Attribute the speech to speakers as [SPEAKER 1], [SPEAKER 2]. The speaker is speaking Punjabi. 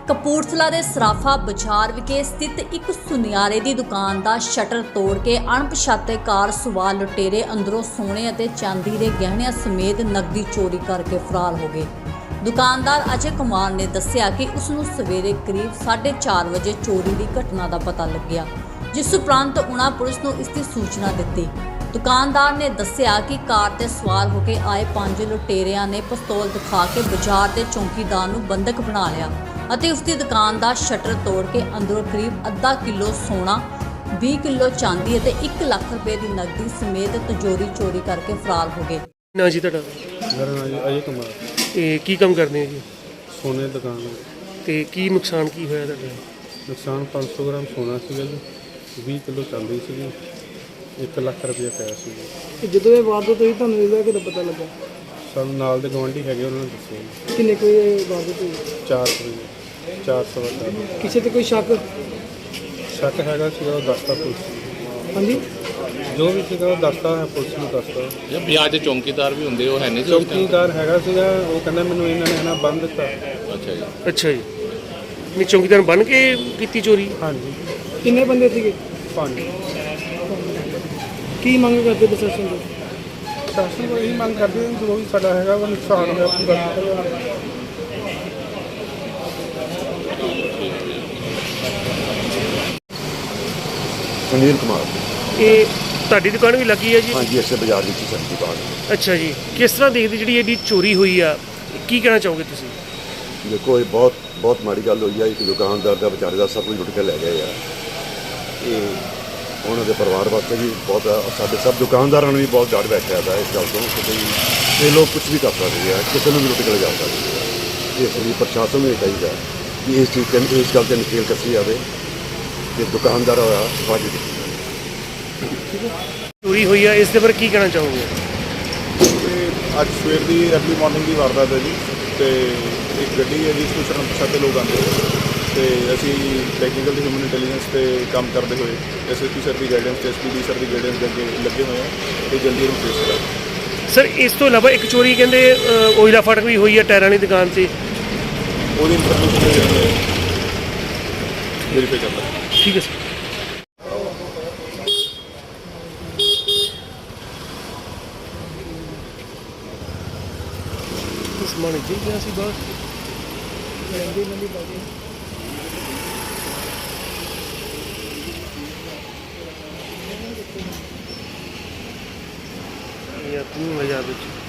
[SPEAKER 1] ਕਪੂਰਥਲਾ ਦੇ ਸਰਾਫਾ ਬਾਜ਼ਾਰ ਵਿਖੇ ਸਥਿਤ ਇੱਕ ਸੁਨਿਆਰੇ ਦੀ ਦੁਕਾਨ ਦਾ ਸ਼ਟਰ ਤੋੜ ਕੇ ਅਣਪਛਾਤੇ ਕਾਰ ਸਵਾਰ ਲੁਟੇਰੇ ਅੰਦਰੋਂ ਸੋਨੇ ਅਤੇ ਚਾਂਦੀ ਦੇ ਗਹਿਣਿਆਂ ਸਮੇਤ ਨਕਦੀ ਚੋਰੀ ਕਰਕੇ ਫਰਾਰ ਹੋ ਗਏ। ਦੁਕਾਨਦਾਰ ਅਜੇ ਕੁਮਾਰ ਨੇ ਦੱਸਿਆ ਕਿ ਉਸ ਨੂੰ ਸਵੇਰੇ ਕਰੀਬ 4:30 ਵਜੇ ਚੋਰੀ ਦੀ ਘਟਨਾ ਦਾ ਪਤਾ ਲੱਗਿਆ, ਜਿਸ ਉਪਰੰਤ ਉਹਨਾਂ ਪੁਲਿਸ ਨੂੰ ਇਸ ਦੀ ਸੂਚਨਾ ਦਿੱਤੀ। ਦੁਕਾਨਦਾਰ ਨੇ ਦੱਸਿਆ ਕਿ ਕਾਰ ਤੇ ਸਵਾਰ ਹੋ ਕੇ ਆਏ 5 ਲੁਟੇਰਿਆਂ ਨੇ ਪਿਸਤੌਲ ਦਿਖਾ ਕੇ ਬਾਜ਼ਾਰ ਦੇ ਚੌਕੀਦਾਰ ਨੂੰ ਬੰਦਕ ਬਣਾ ਲਿਆ ਅਤੇ ਉਸ ਦੀ ਦੁਕਾਨ ਦਾ ਸ਼ਟਰ ਤੋੜ ਕੇ ਅੰਦਰੋਂ ਕਰੀਬ ਅੱਧਾ ਕਿਲੋ ਸੋਨਾ, 20 ਕਿਲੋ ਚਾਂਦੀ ਅਤੇ 1 ਲੱਖ ਰੁਪਏ ਦੀ ਨਕਦੀ ਸਮੇਤ ਤਿਜੋਰੀ ਚੋਰੀ ਕਰਕੇ ਫਰਾਰ ਹੋ ਗਏ।
[SPEAKER 2] ਨਾ ਜੀ ਤੁਹਾਡਾ?
[SPEAKER 3] ਮੇਰਾ ਨਾਮ ਜੀ ਅਜੇ ਕੁਮਾਰ।
[SPEAKER 2] ਤੇ ਕੀ ਕੰਮ ਕਰਦੇ ਹੋ ਜੀ?
[SPEAKER 3] ਸੋਨੇ ਦੀ ਦੁਕਾਨ ਹੈ।
[SPEAKER 2] ਤੇ ਕੀ ਨੁਕਸਾਨ ਕੀ ਹੋਇਆ ਤੁਹਾਡਾ?
[SPEAKER 3] ਨੁਕਸਾਨ 500 ਗ੍ਰਾਮ ਸੋਨਾ ਸੀਗਾ ਜੀ, 20 ਕਿਲੋ ਚਾਂਦੀ ਸੀਗੀ, 1 ਲੱਖ ਰੁਪਏ ਪਿਆ ਸੀ।
[SPEAKER 4] ਜਦੋਂ ਇਹ ਵਾਰਦਾਤ ਹੋਈ ਤੁਹਾਨੂੰ ਇਹਦਾ ਕਿਹਦਾ ਪਤਾ ਲੱਗਾ?
[SPEAKER 3] ਸਾਨੂੰ ਨਾਲ ਦੇ ਗੁਆਂਢੀ ਹੈਗੇ, ਉਹਨਾਂ ਨੇ ਦੱਸਿਆ।
[SPEAKER 4] ਕਿੰਨੇ ਕੋਈ ਵਾਰਦਾਤ ਹੋਈ?
[SPEAKER 3] 400 ਵਜੇ।
[SPEAKER 4] ਕਿਸੇ ਤੇ ਕੋਈ ਸ਼ੱਕ?
[SPEAKER 3] ਸ਼ੱਕ ਹੈਗਾ ਸੀਗਾ, ਉਹ ਦੱਸਤਾ ਪੁਲਿਸ।
[SPEAKER 4] ਹਾਂਜੀ,
[SPEAKER 3] ਜੋ ਵੀ ਸੀਗਾ ਉਹ ਦੱਸਤਾ ਹੈ, ਪੁਲਿਸ ਨੂੰ ਦੱਸਤਾ।
[SPEAKER 5] ਜਾਂ ਬਾਜ਼ਾਰ ਦੇ ਚੌਕੀਦਾਰ ਵੀ ਹੁੰਦੇ, ਉਹ ਹੈ ਨਹੀਂ ਸੀ?
[SPEAKER 3] ਚੌਕੀਦਾਰ ਹੈਗਾ ਸੀਗਾ, ਉਹ ਕਹਿੰਦਾ ਮੈਨੂੰ ਇਹਨਾਂ ਨੇ ਨਾ ਬੰਨ ਦਿੱਤਾ।
[SPEAKER 5] ਅੱਛਾ ਜੀ।
[SPEAKER 2] ਅੱਛਾ ਜੀ, ਨਹੀਂ ਚੌਕੀਦਾਰ ਬਣ ਕੇ ਕੀਤੀ ਚੋਰੀ?
[SPEAKER 3] ਹਾਂਜੀ।
[SPEAKER 4] ਕਿੰਨੇ ਬੰਦੇ ਸੀਗੇ?
[SPEAKER 3] 5।
[SPEAKER 4] ਕੀ ਮੰਗ ਕਰਦੇ ਪ੍ਰਸ਼ਾਸਨ ਤੋਂ?
[SPEAKER 3] ਸ਼ਾਸਨ ਨੂੰ ਇਹੀ ਮੰਗ ਕਰਦੇ ਹਾਂ, ਜੋ ਵੀ ਸਾਡਾ ਹੈਗਾ ਉਹ ਨੁਕਸਾਨ ਹੋਇਆ ਪੂਰਾ ਕੀਤਾ ਜਾਵੇ।
[SPEAKER 6] ਸੁਨੀਲ ਕੁਮਾਰ।
[SPEAKER 2] ਇਹ ਤੁਹਾਡੀ ਦੁਕਾਨ ਵੀ ਲੱਗੀ ਹੈ ਜੀ?
[SPEAKER 6] ਹਾਂਜੀ, ਇਸੇ ਬਾਜ਼ਾਰ ਵਿੱਚ ਹੀ ਸਬਜ਼ੀ ਬਾਗ।
[SPEAKER 2] ਅੱਛਾ ਜੀ, ਕਿਸ ਤਰ੍ਹਾਂ ਦੇਖਦੇ ਜਿਹੜੀ ਇਹਦੀ ਚੋਰੀ ਹੋਈ ਆ, ਕੀ ਕਹਿਣਾ ਚਾਹੋਗੇ ਤੁਸੀਂ?
[SPEAKER 6] ਦੇਖੋ, ਇਹ ਬਹੁਤ ਮਾੜੀ ਗੱਲ ਹੋਈ ਆ। ਇੱਕ ਦੁਕਾਨਦਾਰ ਦਾ ਵਿਚਾਰੇ ਦਾ ਸਭ ਕੁਝ ਲੁੱਟ ਕੇ ਲੈ ਗਏ ਆ। ਇਹ ਉਹਨਾਂ ਦੇ ਪਰਿਵਾਰ ਵਾਸਤੇ ਵੀ ਬਹੁਤ, ਸਾਡੇ ਸਭ ਦੁਕਾਨਦਾਰਾਂ ਨੂੰ ਵੀ ਬਹੁਤ ਡਰ ਬੈਠਿਆ ਦਾ ਇਸ ਗੱਲ ਤੋਂ ਕਿ ਬਈ ਇਹ ਲੋਕ ਕੁਝ ਵੀ ਕਰ ਸਕਦੇ ਆ, ਕਿਸੇ ਨੂੰ ਵੀ ਲੁੱਟ ਕੇ ਲਿਜਾ ਸਕਦੇ ਆ। ਇਸ ਲਈ ਪ੍ਰਸ਼ਾਸਨ ਨੂੰ ਇਹ ਚਾਹੀਦਾ ਕਿ ਇਸ ਗੱਲ 'ਤੇ ਨਕੇਲ ਕੱਸੀ ਜਾਵੇ ਕਿ ਦੁਕਾਨਦਾਰ ਹੋਇਆ ਵਾਜਬ ਕੀਤੀ ਜਾਵੇ।
[SPEAKER 2] ਚੋਰੀ ਹੋਈ ਆ, ਇਸ ਦੇ ਬਾਰੇ ਕੀ ਕਹਿਣਾ ਚਾਹੋਗੇ?
[SPEAKER 7] ਅੱਜ ਸਵੇਰ ਦੀ ਅਰਲੀ ਮਾਰਨਿੰਗ ਦੀ ਵਾਰਦਾਤ ਹੈ ਜੀ, ਤੇ ਇੱਕ ਗੱਡੀ ਹੈ ਜਿਸ ਵਿੱਚ ਅਣਪਛਾਤੇ ਲੋਕ ਆਉਂਦੇ ਤੇ ਅਸੀਂ ਟੈਕਨੀਕਲ ਤੇ ਹਿਊਮਨ ਇੰਟੈਲੀਜੈਂਸ 'ਤੇ ਕੰਮ ਕਰਦੇ ਹੋਏ SSP ਸਰ ਦੀ ਗਾਈਡੈਂਸ ਤੇ SPD ਸਰ ਦੀ ਗਾਈਡੈਂਸ ਦੇ ਅੱਗੇ ਲੱਗੇ ਹੋਏ ਹਾਂ ਤੇ ਜਲਦੀ ਇਹਨੂੰ ਟ੍ਰੇਸ ਕਰਾਂਗੇ।
[SPEAKER 2] ਸਰ, ਇਸ ਤੋਂ ਇਲਾਵਾ ਇੱਕ ਚੋਰੀ ਕਹਿੰਦੇ ਓਇਲਾ ਫਾਟਕ ਵੀ ਹੋਈ ਆ ਟਾਇਰਾਂ ਵਾਲੀ ਦੁਕਾਨ 'ਤੇ,
[SPEAKER 7] ਉਹਦੀ ਇਨਫੋਰਮੇਸ਼ਨ ਵੈਰੀਫਾਈ ਕਰਦਾ।
[SPEAKER 2] ਠੀਕ ਹੈ ਸਰ। ਸਮਾਨ ਜੀ ਗਿਆ ਸੀ ਬਾਹਰ ਯਾ 3000 ਵਿੱਚ